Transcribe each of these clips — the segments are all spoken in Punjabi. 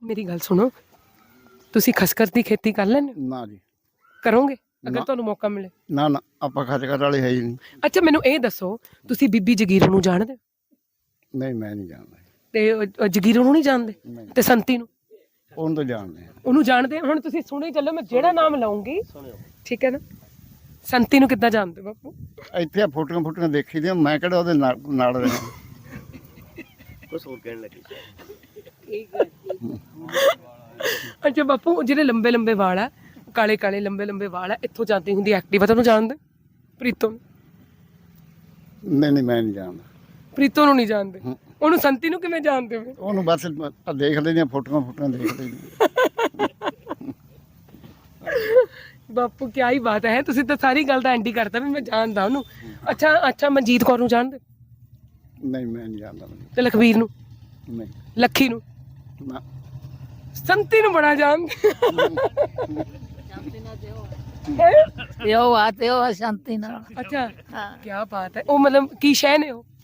ਮੇਰੀ ਗੱਲ ਸੁਣੋ, ਤੁਸੀਂ ਖਸਖਸ ਦੀ ਖੇਤੀ ਕਰ ਲੈਂਦੇ ਹੋ? ਨਾ ਜੀ ਕਰੋਗੇ ਅਗਰ ਨਾ। ਤੁਹਾਨੂੰ ਮੌਕਾ ਮਿਲੇ? ਨਾ ਨਾ ਆਪਾਂ ਖਚਕਰ ਵਾਲੇ ਹੈ ਹੀ ਨਹੀਂ। ਅੱਛਾ ਮੈਨੂੰ ਇਹ ਦੱਸੋ, ਤੁਸੀਂ ਬੀਬੀ ਜਗੀਰੋ ਨੂੰ ਜਾਣਦੇ ਹੋ? ਨਹੀਂ ਮੈਂ ਨਹੀਂ ਜਾਣਦਾ। ਤੇ ਜਗੀਰੋ ਨੂੰ ਨਹੀਂ ਜਾਣਦੇ? ਨਹੀਂ ਤੇ ਸੰਤੀ ਨੂੰ? ਉਹਨੂੰ ਤਾਂ ਜਾਣਦੇ ਆ। ਉਹਨੂੰ ਜਾਣਦੇ ਆ। ਹੁਣ ਤੁਸੀਂ ਸੁਣੇ ਚੱਲੋ, ਮੈਂ ਜਿਹੜਾ ਨਾਮ ਲਾਉਂਗੀ ਠੀਕ ਹੈ ਨਾ। ਸੰਤੀ ਨੂੰ ਕਿੱਦਾਂ ਜਾਣਦੇ ਬਾਪੂ? ਇੱਥੇ ਆ ਫੋਟੋਆਂ ਦੇਖੀ ਦੀਆਂ, ਮੈਂ ਕਿਹੜਾ ਉਹਦੇ ਨਾਲ ਰਿਹਾ। ਕੁਛ ਹੋਰ ਕਹਿਣ ਲੱਗੀ। ਅੱਛਾ ਬਾਪੂ, ਜਿਹੜੇ ਲੰਬੇ ਲੰਬੇ ਵਾਲ ਆ, ਕਾਲੇ ਕਾਲੇ ਲੰਬੇ ਲੰਬੇ ਵਾਲ ਆ, ਇੱਥੋਂ ਜਾਂਦੀ ਹੁੰਦੀ ਐਕਟਿਵਾ, ਤੁਹਾਨੂੰ ਜਾਣਦੇ? ਪ੍ਰੀਤੋਂ ਨੂੰ? ਨਹੀਂ ਨਹੀਂ ਮੈਂ ਨਹੀਂ ਜਾਣਦਾ। ਪ੍ਰੀਤੋਂ ਨੂੰ ਨਹੀਂ ਜਾਣਦੇ? ਉਹਨੂੰ ਸੰਤੀ ਨੂੰ ਕਿਵੇਂ ਜਾਣਦੇ ਹੋ? ਉਹਨੂੰ ਬਸ ਦੇਖ ਲੈਂਦੀਆਂ ਫੋਟੋਆਂ ਦੇਖ ਲੈਂਦੀਆਂ। ਬਾਪੂ ਕੀ ਹੀ ਬਾਤ ਹੈ, ਤੁਸੀਂ ਤਾਂ ਸਾਰੀ ਗੱਲ ਦਾ ਐਂਡੀ ਕਰਤਾ ਵੀ ਮੈਂ ਜਾਣਦਾ ਉਹਨੂੰ। ਅੱਛਾ ਮਨਜੀਤ ਕੌਰ ਨੂੰ ਜਾਣਦੇ? ਨਹੀਂ ਮੈਂ ਨਹੀਂ ਜਾਣਦਾ। ਤੇ ਲਖਵੀਰ ਨੂੰ? ਨਹੀਂ ਲੱਖੀ ਨੂੰ? ਨਾ। ਸੰਤੀ ਨੂੰ ਬੜਾ ਜਾਣਦੇ। ਸ਼ਾਂਤੀ ਨਾਲ। ਅੱਛਾ ਕੀ ਬਾਤ ਹੈ। ਉਹ ਮਤਲਬ ਕੀ ਸ਼ੈ ਨੇ ਉਹ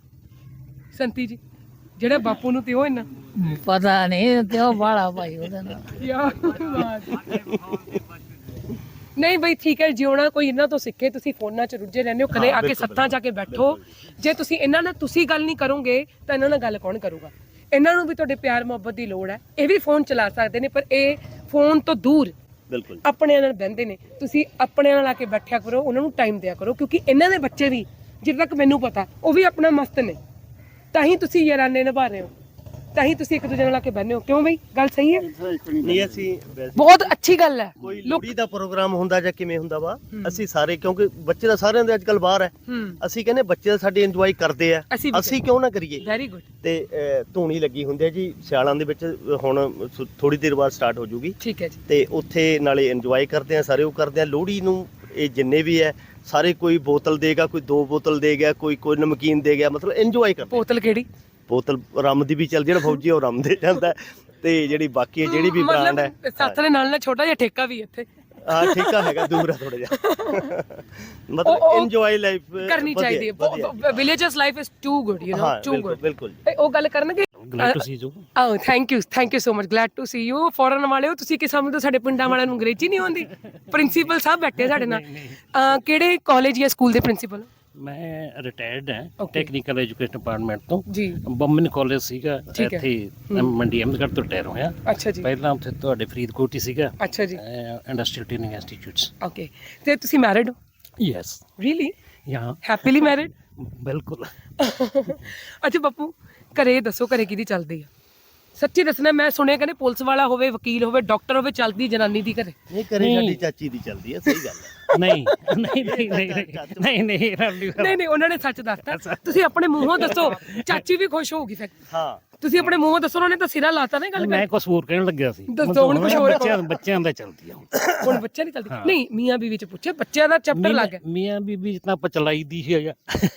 ਸੰਤੀ ਜੀ, ਜਿਹੜਾ ਬਾਪੂ ਨੂੰ ਤੇ ਉਹ ਇੰਨਾ ਪਤਾ ਨਹੀਂ ਤੇ ਉਹ ਬਾਲਾ ਭਾਈ ਉਹਦੇ ਨਾਲ। ਯਾਰ ਬਾਤ ਹੈ। ਨਹੀਂ ਬਈ ਠੀਕ ਹੈ, ਜਿਉਣਾ ਕੋਈ ਇਹਨਾਂ ਤੋਂ ਸਿੱਖੇ। ਤੁਸੀਂ ਫੋਨਾਂ 'ਚ ਰੁੱਝੇ ਰਹਿੰਦੇ ਹੋ, ਕਦੇ ਆ ਕੇ ਸੱਥਾਂ 'ਚ ਆ ਕੇ ਬੈਠੋ। ਜੇ ਤੁਸੀਂ ਇਹਨਾਂ ਨਾਲ ਤੁਸੀਂ ਗੱਲ ਨਹੀਂ ਕਰੋਗੇ ਤਾਂ ਇਹਨਾਂ ਨਾਲ ਗੱਲ ਕੌਣ ਕਰੂਗਾ? ਇਹਨਾਂ ਨੂੰ ਵੀ ਤੁਹਾਡੇ ਪਿਆਰ ਮੁਹੱਬਤ ਦੀ ਲੋੜ ਹੈ। ਇਹ ਵੀ ਫੋਨ ਚਲਾ ਸਕਦੇ ਨੇ, ਪਰ ਇਹ ਫੋਨ ਤੋਂ ਦੂਰ ਬਿਲਕੁਲ ਆਪਣਿਆਂ ਨਾਲ ਬਹਿੰਦੇ ਨੇ। ਤੁਸੀਂ ਆਪਣਿਆਂ ਨਾਲ ਆ ਕੇ ਬੈਠਿਆ ਕਰੋ, ਉਹਨਾਂ ਨੂੰ ਟਾਈਮ ਦਿਆ ਕਰੋ, ਕਿਉਂਕਿ ਇਹਨਾਂ ਦੇ ਬੱਚੇ ਵੀ, ਜਿੱਦ ਤੱਕ ਮੈਨੂੰ ਪਤਾ, ਉਹ ਵੀ ਆਪਣਾ ਮਸਤ ਨੇ। ਤਾਂ ਹੀ ਤੁਸੀਂ ਯਾਰਾਨੇ ਨਿਭਾ ਰਹੇ ਹੋ, ਤਾਂ ਹੀ ਤੁਸੀਂ ਇੱਕ ਦੂਜੇ ਨਾਲ ਆ ਕੇ ਬਹਿੰਦੇ ਹੋ। ਕਿਉਂ ਬਈ, ਗੱਲ ਸਹੀ ਹੈ? ਨਹੀਂ ਅਸੀਂ ਵੈਸੇ ਬਹੁਤ ਅੱਛੀ ਗੱਲ ਹੈ। ਕੋਈ ਲੋਹੜੀ ਦਾ ਪ੍ਰੋਗਰਾਮ ਹੁੰਦਾ ਜਾਂ ਕਿਵੇਂ ਹੁੰਦਾ ਵਾ, ਅਸੀਂ ਸਾਰੇ, ਕਿਉਂਕਿ ਬੱਚੇ ਤਾਂ ਸਾਰਿਆਂ ਦੇ ਅੱਜ ਕੱਲ ਬਾਹਰ ਹੈ, ਅਸੀਂ ਕਹਿੰਦੇ ਬੱਚੇ ਤਾਂ ਸਾਡੇ ਇੰਜੋਏ ਕਰਦੇ ਆ, ਅਸੀਂ ਕਿਉਂ ਨਾ ਕਰੀਏ? Very good. ਤੇ ਧੂਣੀ ਲੱਗੀ ਹੁੰਦੀ ਹੈ ਜੀ ਸਿਆਲਾਂ ਦੇ ਵਿੱਚ, ਹੁਣ ਥੋੜੀ ਦੇਰ ਬਾਅਦ ਸਟਾਰਟ ਹੋ ਜੂਗੀ। ਠੀਕ ਹੈ ਜੀ। ਤੇ ਉੱਥੇ ਨਾਲੇ ਇੰਜੋਏ ਕਰਦੇ ਆ, ਸਾਰੇ ਉਹ ਕਰਦੇ ਆ। ਲੋਹੜੀ ਨੂੰ ਇਹ ਜਿੰਨੇ ਵੀ ਹੈ ਸਾਰੇ, ਕੋਈ ਬੋਤਲ ਦੇਗਾ, ਕੋਈ 2 ਬੋਤਲ ਦੇ ਗਿਆ, ਕੋਈ ਨਮਕੀਨ ਦੇ ਗਿਆ, ਮਤਲਬ ਇੰਜੋਏ ਕਰਦੇ। ਬੋਤਲ ਕਿਹੜੀ? ਬੋਤਲ ਰੰਮ ਦੀ ਵੀ ਚੱਲ, ਜਿਹੜਾ ਫੌਜੀ ਉਹ ਰੰਮ ਦੇ ਜਾਂਦਾ। ਤੇ ਜਿਹੜੀ ਬਾਕੀ ਹੈ ਜਿਹੜੀ ਵੀ ਬ੍ਰਾਂਡ ਹੈ, ਸੱਤ ਦੇ ਨਾਲ ਛੋਟਾ ਜਿਹਾ ਠੇਕਾ ਵੀ ਇੱਥੇ। ਹਾਂ ਠੇਕਾ ਹੈਗਾ, ਦੂਰ ਆ ਥੋੜਾ ਜਿਹਾ। ਮਤਲਬ ਇੰਜੋਏ ਲਾਈਫ ਕਰਨੀ ਚਾਹੀਦੀ ਹੈ। Villagers life is too good, you know, too good. ਬਿਲਕੁਲ। ਉਹ ਗੱਲ ਕਰਨਗੇ। Glad to see you. Ah thank you so much, glad to see you. Foreign ਵਾਲਿਓ, ਤੁਸੀਂ ਕਿ ਸਮਝਦੇ ਸਾਡੇ ਪਿੰਡਾਂ ਵਾਲਿਆਂ ਨੂੰ ਅੰਗਰੇਜ਼ੀ ਨਹੀਂ ਆਉਂਦੀ? ਪ੍ਰਿੰਸੀਪਲ ਸਾਹਿਬ ਬੈਠੇ ਸਾਡੇ ਨਾਲ। ਕਿਹੜੇ ਕਾਲਜ ਜਾਂ ਸਕੂਲ ਦੇ ਪ੍ਰਿੰਸੀਪਲ? ਮੈਂ ਰਿਟਾਇਰਡ ਹਾਂ ਟੈਕਨੀਕਲ ਐਜੂਕੇਸ਼ਨ ਡਿਪਾਰਟਮੈਂਟ ਤੋਂ ਜੀ। ਬੰਮਨ ਕਾਲਜ ਸੀਗਾ ਇੱਥੇ, ਮੰਡੀ ਅਹਿਮਦਗੜ੍ਹ ਤੋਂ ਰਿਟਾਇਰ ਹੋਇਆ। ਅੱਛਾ ਜੀ। ਪਹਿਲਾਂ ਉੱਥੇ ਤੁਹਾਡੇ ਫਰੀਦਕੋਟ ਹੀ ਸੀਗਾ। ਅੱਛਾ ਜੀ। Industrial training institutes. ਓਕੇ। ਤੇ ਤੁਸੀਂ ਮੈਰਿਡ ਹੋ? Yes. Really? Ya happily married? ਬਿਲਕੁਲ। ਅੱਛਾ ਬਾਪੂ, ਘਰੇ ਦੱਸੋ, ਘਰੇ ਕਿਹਦੀ ਚੱਲਦੀ ਆ? ਸੱਚੀ ਦੱਸਣਾ, ਮੈਂ ਸੁਣਿਆ ਕਹਿੰਦੇ ਪੁਲਿਸ ਵਾਲਾ ਹੋਵੇ, ਵਕੀਲ ਹੋਵੇ, ਡਾਕਟਰ ਹੋਵੇ, ਚੱਲਦੀ ਜਨਾਨੀ ਦੀ ਘਰੇ। ਨਹੀਂ ਕਰੇ ਸਾਡੀ ਚਾਚੀ ਦੀ ਚੱਲਦੀ ਹੈ, ਸਹੀ ਗੱਲ ਹੈ। ਨਹੀਂ ਨਹੀਂ ਨਹੀਂ ਨਹੀਂ ਨਹੀਂ ਉਹਨਾਂ ਨੇ ਸੱਚ ਦੱਸਤਾ। ਤੁਸੀਂ ਆਪਣੇ ਮੂੰਹੋਂ ਦੱਸੋ, ਚਾਚੀ ਵੀ ਖੁਸ਼ ਹੋਊਗੀ ਫਿਰ। ਹਾਂ ਤੁਸੀਂ ਆਪਣੇ ਮੂੰਹੋਂ ਦੱਸੋ, ਉਹਨਾਂ ਨੇ ਤਾਂ ਸਿਰਾ ਲਾਤਾ ਨਾ ਗੱਲ ਮੈਂ ਕੁਝ ਹੋਰ ਕਹਿਣ ਲੱਗਿਆ ਸੀ। ਦੱਸੋ ਹੁਣ ਕੁਝ ਹੋਰ। ਬੱਚਿਆਂ ਦਾ ਚੱਲਦੀ ਆ ਹੁਣ ਬੱਚਿਆਂ ਦੀ ਚੱਲਦੀ ਨਹੀਂ, ਮੀਆਂ ਬੀਵੀ ਚ ਪੁੱਛੇ, ਬੱਚਿਆਂ ਦਾ ਚੈਪਟਰ ਲੱਗ ਗਿਆ। ਮੀਆਂ ਬੀਬੀ ਜਿੰਨਾ ਆਪਾਂ ਚਲਾਈ ਦੀ ਹੈਗਾ।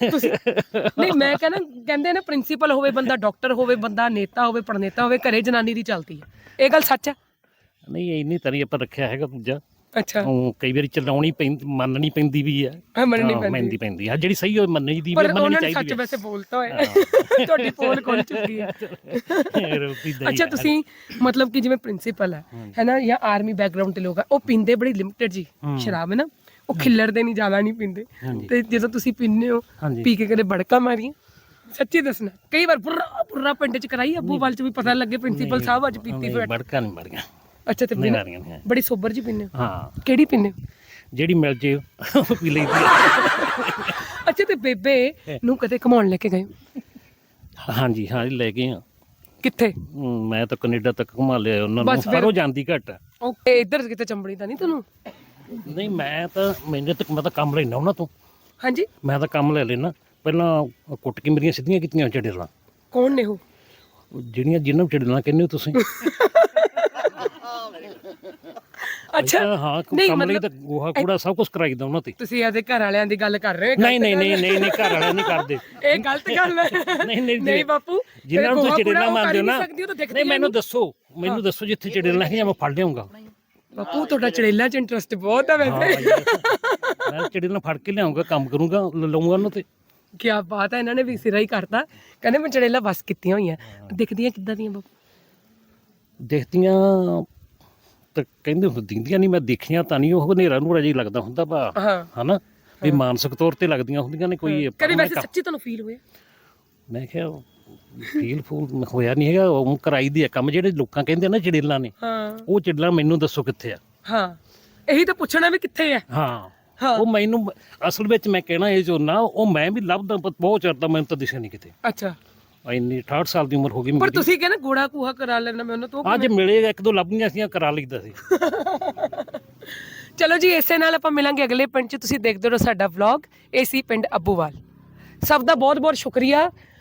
ਨਹੀਂ ਮੈਂ ਕਹਿੰਦਾ, ਕਹਿੰਦੇ ਨੇ ਪ੍ਰਿੰਸੀਪਲ ਹੋਵੇ ਬੰਦਾ, ਡਾਕਟਰ ਹੋਵੇ ਬੰਦਾ, ਨੇਤਾ ਹੋਵੇ, ਪ੍ਰਣੇਤਾ ਹੋਵੇ, ਘਰੇ ਜਨਾਨੀ ਦੀ ਚੱਲਦੀ ਹੈ। ਇਹ ਗੱਲ ਸੱਚ ਹੈ? ਨਹੀਂ ਇੰਨੀ ਤਰੀ ਆਪਾਂ ਰੱਖਿਆ ਹੈਗਾ ਦੂਜਾ। ਅੱਛਾ। ਉਹ ਕਈ ਵਾਰੀ ਚਲਾਉਣੀ ਪੈਂਦੀ, ਮੰਨਣੀ ਪੈਂਦੀ ਵੀ ਹੈ। ਮੰਨਣੀ ਪੈਂਦੀ ਆ, ਜਿਹੜੀ ਸਹੀ ਹੋਵੇ ਮੰਨਣੀ ਦੀ ਵੀ, ਮੰਨਣੀ ਚਾਹੀਦੀ ਹੈ। ਸੱਚ ਵੈਸੇ ਬੋਲਤਾ ਹੋਇਆ, ਤੁਹਾਡੀ ਪੋਲ ਖੁੱਲ ਚੁੱਕੀ ਹੈ। ਅੱਛਾ ਤੁਸੀਂ ਮਤਲਬ ਕਿ ਜਿਵੇਂ ਪ੍ਰਿੰਸੀਪਲ ਹੈ ਨਾ, ਜਾਂ ਆਰਮੀ ਬੈਕਗ੍ਰਾਉਂਡ ਤੇ ਲੋਕ ਆ, ਉਹ ਪੀਂਦੇ ਬੜੀ ਲਿਮਟਿਡ ਜੀ ਸ਼ਰਾਬ ਹੈ ਨਾ, ਉਹ ਖਿੱਲਰਦੇ ਨਹੀਂ, ਜ਼ਿਆਦਾ ਨਹੀਂ ਪੀਂਦੇ। ਤੇ ਜਦੋਂ ਤੁਸੀਂ ਪੀਂਦੇ ਹੋ, ਪੀ ਕੇ ਕਦੇ ਬੜਕਾ ਮਾਰੀਆਂ? ਸੱਚੀ ਦੱਸਣਾ, ਕਈ ਵਾਰ ਪੁਰਾ ਪਿੰਡ ਚ ਕਰਾਈ, ਅੱਬੂ ਵਾਲ ਚ ਵੀ ਪਤਾ ਲੱਗੇ ਪ੍ਰਿੰਸੀਪਲ ਸਾਹਿਬ ਅੱਜ ਪੀਤੀ ਫਿਰ। ਬੜਕਾ ਨਹੀਂ ਮਾਰੀਆਂ। ਅੱਛਾ। ਤੇ ਬੜੀ ਸੋਬਰ ਜੀ ਪੀਂਦੇ ਹੋ? ਹਾਂ। ਕਿਹੜੀ ਪੀਂਦੇ ਹੋ? ਜਿਹੜੀ ਮਿਲ ਜੇ ਉਹ ਪੀ ਲਈਦੀ ਹੈ। ਅੱਛਾ। ਤੇ ਬੇਬੇ ਨੂੰ ਕਦੇ ਘੁਮਾਉਣ ਲੈ ਕੇ ਗਏ? ਹਾਂਜੀ ਹਾਂ ਲੈ ਗਏ ਆ। ਕਿੱਥੇ? ਮੈਂ ਤਾਂ ਕੈਨੇਡਾ ਤੱਕ ਘੁਮਾ ਲਿਆ ਉਹਨਾਂ ਨੂੰ, ਪਰ ਉਹ ਜਾਂਦੀ ਘੱਟ। ਓਕੇ। ਇੱਧਰ ਕਿਤੇ ਚੰਬੜੀ ਤਾਂ ਨਹੀਂ ਤੁਹਾਨੂੰ? ਨਹੀਂ ਮੈਂ ਤਾਂ ਕੰਮ ਲੈਣਾ ਉਹਨਾਂ ਤੋਂ। ਹਾਂਜੀ। ਮੈਂ ਤਾਂ ਕੰਮ ਲੈ ਲੈਣਾ, ਪਹਿਲਾਂ ਕੁੱਟ ਕੇ ਮੇਰੀਆਂ ਸਿੱਧੀਆਂ ਕੀਤੀਆਂ ਚੜੇਲਾਂ। ਕੌਣ ਨੇ ਉਹ? ਜਿਹੜੀਆਂ ਜਿਹਨਾਂ ਨੂੰ ਚੜੇਲਾਂ ਕਹਿੰਦੇ ਹੋ ਤੁਸੀਂ। ਅੱਛਾ। ਹਾਂ ਕੰਮ ਲਈ ਤਾਂ ਗੋਹਾ ਕੂੜਾ ਸਭ ਕੁਝ ਕਰਾਈਦਾ ਉਹਨਾਂ ਤੇ। ਤੁਸੀਂ ਇਹਦੇ ਘਰ ਵਾਲਿਆਂ ਦੀ ਗੱਲ ਕਰ ਰਹੇ ਹੋ? ਨਹੀਂ ਘਰ ਵਾਲੇ ਨਹੀਂ ਕਰਦੇ। ਇਹ ਗਲਤ ਗੱਲ ਹੈ। ਨਹੀਂ ਬਾਪੂ, ਜਿਨ੍ਹਾਂ ਨੂੰ ਤੁਸੀਂ ਚੜੇਲਾਂ ਮੰਨਦੇ ਹੋ ਨਾ, ਨਹੀਂ ਮੈਨੂੰ ਦੱਸੋ ਜਿੱਥੇ ਚੜੇਲਾਂ ਹੈ ਮੈਂ ਫੜ ਲਿਆਉਂਗਾ। ਬਾਪੂ ਤੁਹਾਡਾ ਚੜੇਲਾਂ 'ਚ ਇੰਟਰਸਟ ਬਹੁਤ ਹੈ ਵੈਸੇ। ਮੈਂ ਚੜੇਲਾਂ ਫੜ ਕੇ ਲਿਆਉਂਗਾ, ਕੰਮ ਕਰੂੰਗਾ, ਲਾਉਂਗਾ ਉਹਨਾਂ ਤੇ। ਕੀ ਬਾਤ ਹੈ, ਇਹਨਾਂ ਨੇ ਵੀ ਸਿਰਾ ਹੀ ਕਰਤਾ। ਕਹਿੰਦੇ ਮੈਂ ਚੜੇਲਾਂ ਬਸ ਕੀਤੀਆਂ ਹੋਈਆਂ। ਦਿਖਦੀਆਂ ਕਿੱਦਾਂ ਦੀਆਂ ਬਾਪੂ? ਦੇਖਦੀਆਂ ਤਾਂ ਕਹਿੰਦੇ ਹੁੰਦੀਆਂ ਨਹੀਂ, ਮੈਂ ਦੇਖੀਆਂ ਤਾਂ ਨਹੀਂ, ਉਹ ਹਨੇਰਾ ਨੂਰਾ ਜਿਹਾ ਲੱਗਦਾ ਹੁੰਦਾ ਵਾ ਹਾਂ ਹਨਾ, ਵੀ ਮਾਨਸਿਕ ਤੌਰ ਤੇ ਲੱਗਦੀਆਂ ਹੁੰਦੀਆਂ ਨੇ ਕੋਈ। ਕਦੀ ਵੈਸੇ ਸੱਚੀ ਤੁਹਾਨੂੰ ਫੀਲ ਹੋਇਆ? ਮੈਂ ਕਿਹਾ ਫੀਲ ਫੂਲ ਹੋਇਆ ਨਹੀਂ ਹੈਗਾ, ਉਹ ਕਰਾਈ ਦੀ ਆ ਕੰਮ। ਜਿਹੜੇ ਲੋਕਾਂ ਕਹਿੰਦੇ ਨਾ ਚੜੇਲਾਂ ਨੇ, ਹਾਂ ਉਹ ਚੜੇਲਾਂ ਮੈਨੂੰ ਦੱਸੋ ਕਿੱਥੇ ਆ। ਹਾਂ ਇਹੀ ਤਾਂ ਪੁੱਛਣਾ ਵੀ ਕਿੱਥੇ ਹੈ। ਹਾਂ ਹਾਂ ਉਹ ਮੈਨੂੰ ਅਸਲ ਵਿੱਚ ਮੈਂ ਕਹਿਣਾ ਇਹ ਝੋਨਾ ਉਹ ਮੈਂ ਵੀ ਲੱਭਦਾ ਬਹੁਤ ਚਿਰ ਦਾ, ਮੈਨੂੰ ਤਾਂ ਦਿਸਿਆ ਨਹੀਂ ਕਿਤੇ। ਅੱਛਾ ਇੰਨੀ 68 ਸਾਲ ਦੀ ਉਮਰ ਹੋ ਗਈ ਪਰ ਮੇਰੀ। ਤੁਸੀਂ ਕਹਿੰਦੇ ਗੋੜਾ ਕੂਹਾ ਕਰਾ ਲੈਣਾ ਮੈਂ ਉਹਨਾਂ ਤੋਂ। ਅੱਜ ਮਿਲੇ ਇੱਕ ਦੋ ਲੱਭੀਆਂ ਸੀ, ਕਰਾ ਲਈਦਾ ਸੀ। ਚਲੋ ਜੀ, ਇਸੇ ਨਾਲ ਆਪਾਂ ਮਿਲਾਂਗੇ ਅਗਲੇ ਪਿੰਡ 'ਚ। ਤੁਸੀਂ ਦੇਖਦੇ ਰਹੋ ਸਾਡਾ ਵਲੌਗ। ਇਹ ਸੀ ਪਿੰਡ ਅੱਬੂਵਾਲ। ਸਭ ਦਾ ਬਹੁਤ ਬਹੁਤ ਸ਼ੁਕਰੀਆ।